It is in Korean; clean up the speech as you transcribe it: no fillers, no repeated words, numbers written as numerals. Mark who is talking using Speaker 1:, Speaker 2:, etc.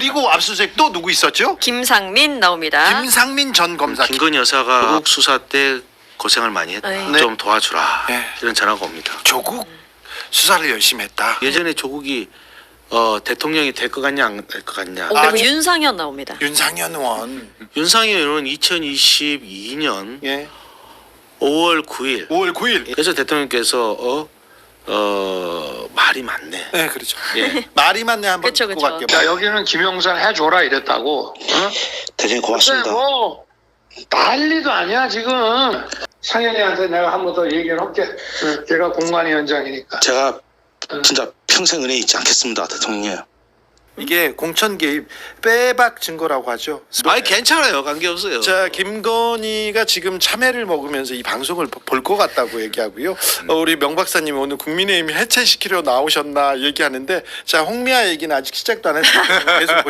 Speaker 1: 그리고 압수수색 또 누구 있었죠?
Speaker 2: 김상민 나옵니다.
Speaker 1: 김상민 전 검사.
Speaker 3: 김건희 여사가 조국 수사 때 고생을 많이 했다.
Speaker 2: 네.
Speaker 3: 좀 도와주라.
Speaker 1: 네.
Speaker 3: 이런 전화가 옵니다.
Speaker 1: 조국 수사를 열심히 했다.
Speaker 3: 예전에 조국이 대통령이 될 것 같냐 안 될 것 같냐.
Speaker 2: 그리고 윤상현 나옵니다.
Speaker 1: 윤상현 의원.
Speaker 3: 윤상현 의원은 2022년
Speaker 1: 예.
Speaker 3: 5월 9일
Speaker 1: 5월 9일.
Speaker 3: 그래서 대통령께서 말이 많네.
Speaker 1: 네, 그렇죠.
Speaker 3: 예.
Speaker 1: 말이 많네 한번
Speaker 2: 그쵸,
Speaker 1: 듣고
Speaker 2: 그쵸.
Speaker 1: 갈게요.
Speaker 4: 야, 여기는 김영선 해줘라 이랬다고. 어?
Speaker 5: 대장님 고맙습니다.
Speaker 4: 근데 뭐 난리도 아니야 지금. 상현이한테 내가 한 번 더 얘기를 할게. 걔가 공관위원장이니까.
Speaker 5: 제가 진짜 평생 은혜 잊지 않겠습니다, 대통령님.
Speaker 1: 이게 공천 개입 빼박 증거라고 하죠.
Speaker 3: 아니 괜찮아요. 관계없어요.
Speaker 1: 자, 김건희가 지금 참외를 먹으면서 이 방송을 볼 것 같다고 얘기하고요. 우리 명 박사님 오늘 국민의힘 해체시키려 나오셨나 얘기하는데, 자, 홍미아 얘기는 아직 시작도 안 했으니까 계속